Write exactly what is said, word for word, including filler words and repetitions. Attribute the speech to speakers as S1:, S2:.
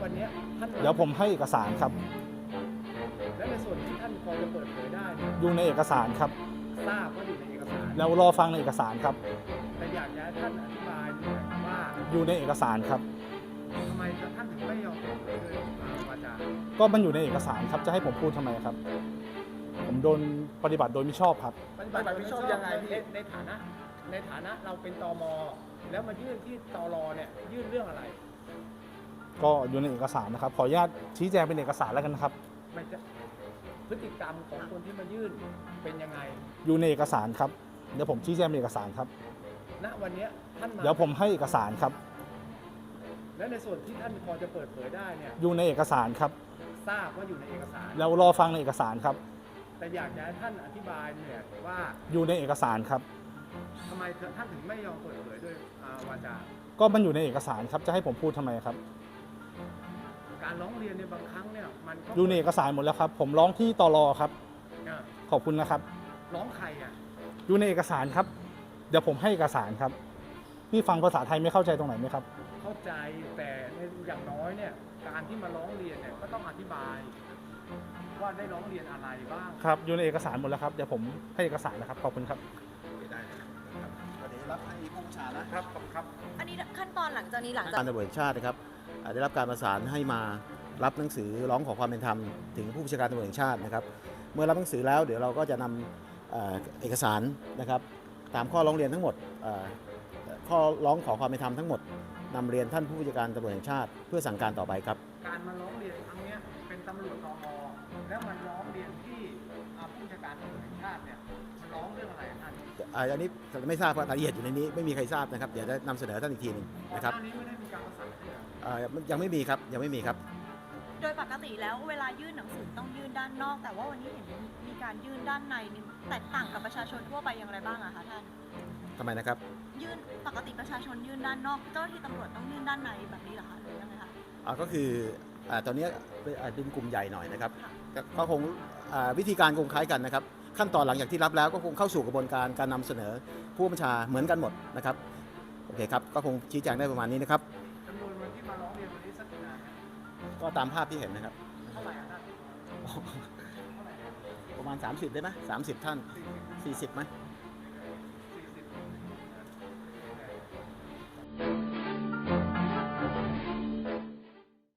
S1: วันนี้ท่าน
S2: เดี๋ยวผมให้เอกสารครับ
S1: และในส่วนที่ท่านพอจะเปิดเผยได้เนี่ย
S2: อยู่ในเอกสารครับ
S1: ทราบว่าอยู่ในเอกสาร
S2: แล้วรอฟังในเอกสารครับ
S1: แต่อยากจะให้ท่านอธิบายหน่อยว่า
S2: อยู่ในเอกสารครับ
S1: ทำไมท่านถึงไม่ยอมเปิดเผยด้วยวาจา
S2: ก็มันอยู่ในเอกสารครับจะให้ผมพูดทำไมครับ ผมโดนปฏิบัติโดยมิชอบครับ
S1: ปฏิบัติโดยมิชอบยังไงพี่ในฐานะในฐานะเราเป็นตมแล้วมายื่นที่ตรเนี่ยยื่นเรื่องอะไร
S2: ก็อยู่ในเอกสารนะครับขออนุญาตชี้แจงเป็นเอกสารแล้วกันนะครับ
S1: มันจะพฤติกรรมของคนที่มายื่นเป็นยังไง
S2: อยู่ในเอกสารครับเดี๋ยวผมชี้แจงเป็นเอกสารครับ
S1: ณวันนี้ท่านมา
S2: เดี๋ยวผมให้เอกสารครับ
S1: และในส่วนที่ท่านพอจะเปิดเผยได้เนี่ย
S2: อยู่ในเอกสารครับ
S1: ทราบว่าอยู่ในเอกสาร
S2: แล้วรอฟังในเอกสารครับ
S1: แต่อยากจะให้ท่านอธิบายเนี่ยว่า
S2: อยู่ในเอกสารครับ
S1: ทำไมท่านถึงไม่ยอมเปิดเผยด้วยอ่าวาจา
S2: ก็มันอยู่ในเอกสารครับจะให้ผมพูดทำไมครับ
S1: การร้องเรียนในยบางครั้งเนี่ยมันก็
S2: อยู่ในเอกสารหมดแล้วครับ ผมร้องที่ตรครับ
S1: อ่ะ
S2: ขอบคุณนะครับ
S1: ร้องใครอ่ะ
S2: อยู่ในเอกสารครับ เดี๋ยวผมให้เอกสารครับนี่ฟังภาษาไทยไม่เข้าใจตรงไหนไหมครับ
S1: เข้าใจแต่ในอย่างน้อยเนี่ยการที่มาร้องเรียนเนี่ยก็ต้องอธิบาย ว่าได้ร้องเรียนอะไรบ้าง
S2: ครับอยู่ในเอกสารหมดแล้วครับเดี๋ยวผมให้เอกสารนะครับขอบคุณครับ
S3: ได้นะครับวันนี้รับให้ผู้บัญชานะครับ
S1: ครับ
S4: อันนี้ขั้นตอนหลังจากนี้หลังจาก
S3: การตำรวจแห่งชาตินะครับอ่าได้รับการประสานให้มารับหนังสือร้องขอความเป็นธรรมถึงผู้บัญชาการตำรวจแห่งชาตินะครับ เมื่อรับหนังสือแล้วเดี๋ยวเราก็จะนำเอ่อเอกสารนะครับตามข้อร้องเรียนทั้งหมดเอ่อข้อร้องขอความเป็นธรรมทั้งหมดนำเรียนท่านผู้บัญชาการตำรวจแห่งชาติเพื่อสั่งการต่อไปครับ
S1: การมาร้องเรียนครั้งเนี้ยเป็นตำรวจตมแล้วมันร้องเรียนที่อ่าผู้บัญชาการตำรวจแห่งชาติเนี่ยมันร้องเรื่องอะไรท่าน
S3: อ่าอันนี้ไม่ทราบว่ารายละเอียดอยู่ในนี้ไม่มีใครทราบนะครับเดี๋ยวจะนำเสนอท่านอีกทีหนึ่งนะครับ
S1: ก่อนหน้านี้ไม่ได้มีการประสานเลยเหรอ
S3: อ่ายังไม่มีครับยังไม่มีครับ
S4: โดยปกติแล้วเวลายื่นหนังสือต้องยื่นด้านนอก แต่ว่าวันนี้เห็นมีการยื่นด้านในนี่แตกต่างกับประชาชนทั่วไปอย่างไรบ้างอะคะท่าน
S3: ทำไมนะครับ
S4: ยื่นปกติประชาชนยื่นด้านนอกเจ้าหน้าที่ตำรวจต้องยื่นด้านในแบบนี้เหรอคะหรือยังไงคะ
S3: อ่าก็คืออ่าตอนนี้เป็นอ่าเป็นกลุ่มใหญ่หน่อยนะครับ
S4: ค่ะ
S3: ก็ก็คงอ่าวิธีการคงคล้ายกันนะครับ ขั้นตอนหลังจากที่รับแล้วก็คงเข้าสู่กระบวนการการนำเสนอผู้บัญชาเหมือนกันหมดนะครับโอเคครับก็คงชี้แจงได้ประมาณนี้นะครับ
S1: จำนวนวันที่มาร้องเรียนวันนี้สักกี่นานครับ
S3: ก็ตามภาพที่เห็นนะครับ
S1: เท่าไหร่อะท่าน
S3: ประมาณ สามสิบได้ไหมสามสิบท่าน สี่สิบไหม
S1: ส